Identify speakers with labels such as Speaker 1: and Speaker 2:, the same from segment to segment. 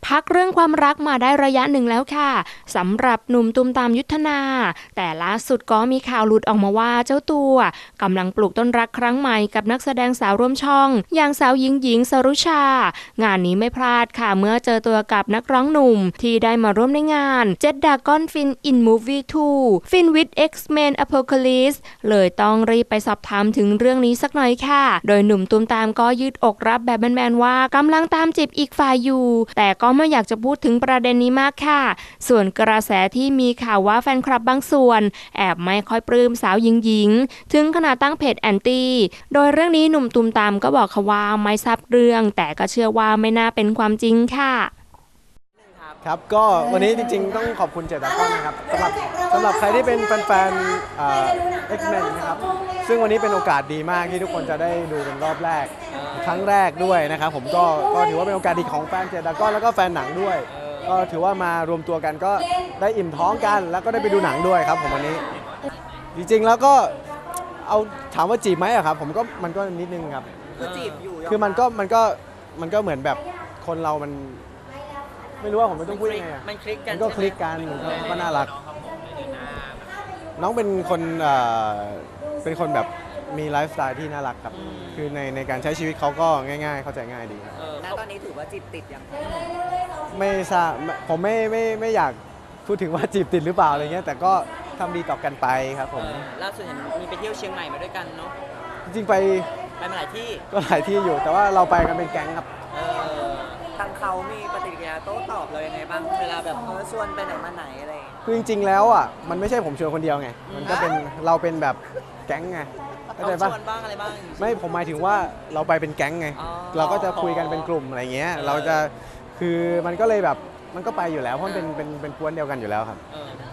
Speaker 1: พักเรื่องความรักมาได้ระยะหนึ่งแล้วค่ะสำหรับหนุ่มตูมตามยุทธนาแต่ล่าสุดก็มีข่าวหลุดออกมาว่าเจ้าตัวกำลังปลูกต้นรักครั้งใหม่กับนักแสดงสาวร่วมช่องอย่างสาวหญิงสรุชางานนี้ไม่พลาดค่ะเมื่อเจอตัวกับนักร้องหนุ่มที่ได้มาร่วมในงานเจ็ดดากอนฟินอินมูฟวี่2ฟินวิด X-Men Apocalypse เลยต้องรีบไปสอบถามถึงเรื่องนี้สักหน่อยค่ะโดยหนุ่มตูมตามก็ยืดอกรับแบบแมนๆว่ากำลังตามจีบอีกฝ่ายอยู่แต่ก็ไม่อยากจะพูดถึงประเด็นนี้มากค่ะส่วนกระแสที่มีข่าวว่าแฟนคลับบางส่วนแอบไม่ค่อยปลื้มสาวหญิงถึงขนาดตั้งเพจแอนตี้โดยเรื่องนี้หนุ่มตูมตามก็บอกค่ะว่าไม่ทราบเรื่องแต่ก็เชื่อว่าไม่น่าเป็นความจริงค่ะ
Speaker 2: ครับก็วันนี้จริงๆต้องขอบคุณเจตากอนนะครับสำหรับใครที่เป็นแฟนๆ X-Men นะครับซึ่งวันนี้เป็นโอกาสดีมากที่ทุกคนจะได้ดูเป็นรอบแรกครั้งแรกด้วยนะครับผมก็ถือว่าเป็นโอกาสดีของแฟนเจตากอนแล้วก็แฟนหนังด้วยก็ถือว่ามารวมตัวกันก็ได้อิ่มท้องกันแล้วก็ได้ไปดูหนังด้วยครับผมวันนี้จริงๆแล้วก็เอาถามว่าจีบไหมอะครับผมก็มันก็นิดนึงครับ
Speaker 3: คือจีบอยู่
Speaker 2: คือมันก็เหมือนแบบคนเรามันไม่รู้ว่าผมไม่ต้องพูดยังไงอะ
Speaker 3: มันคลิกกัน
Speaker 2: มันก็คลิกกันก็น่ารักน้องเป็นคนแบบมีไลฟ์สไตล์ที่น่ารักครับคือในการใช้ชีวิตเขาก็ง่ายๆเข้าใจง่ายดี
Speaker 3: แล้วตอนนี้ถือว่าจีบติดยัง
Speaker 2: ไม่ทราบผมไม่อยากพูดถึงว่าจีบติดหรือเปล่าอะไรเงี้ยแต่ก็ทำดีต่อกันไปครับผม
Speaker 3: ล่าสุดเห็นมีไปเที่ยวเชียงใหม่มาด้วยกันเนาะ
Speaker 2: จริงๆไป
Speaker 3: มาหลายที่
Speaker 2: ก็หลายที่อยู่แต่ว่าเราไปกันเป็นแก๊งครับ
Speaker 3: ทางเขามีปฏิกิริยาโต้ตอบเลยยังไงบ้างเวลาแบบชวนไปไหนมาไหนอะไร
Speaker 2: คือจริงๆแล้วอ่ะมันไม่ใช่ผมชวนคนเดียวไงมันก็เป็นเราเป็นแบบแก๊งไงเข้าใจปะ
Speaker 3: บ้างอะไรบ้าง
Speaker 2: ไม่ผมหมายถึงว่าเราไปเป็นแก๊งไงเราก็จะคุยกันเป็นกลุ่มอะไรเงี้ยเราจะคือมันก็เลยแบบมันก็ไปอยู่แล้วเพราะมันเป็นกวนเดียวกันอยู่แล้วครับ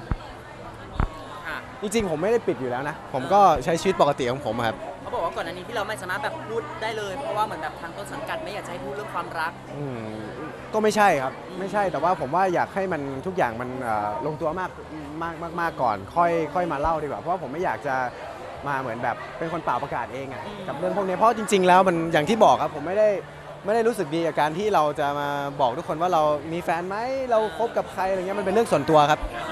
Speaker 2: จริงๆผมไม่ได้ปิดอยู่แล้วนะผมก็ใช้ชีวิตปกติของผมครับ
Speaker 3: เขาบอกว่าก่อนอันนี้ที่เราไม่สามารถแบบพูดได้เลยเพราะว่าเหมือนแบบทางต้นสังกัดไม่อยากให้พูดเรื่องความรัก
Speaker 2: ก็ไม่ใช่ครับไม่ใช่แต่ว่าผมว่าอยากให้มันทุกอย่างมันลงตัวมากก่อนค่อยมาเล่าดีกว่าเพราะว่าผมไม่อยากจะมาเหมือนแบบเป็นคนเป่าประกาศเองอะกับเรื่องพวกนี้เพราะจริงๆแล้วมันอย่างที่บอกครับผมไม่ได้รู้สึกดีกับการที่เราจะมาบอกทุกคนว่าเรามีแฟนไหมเราคบกับใครอะไรเงี้ยมันเป็นเรื่องส่วนตัวครับ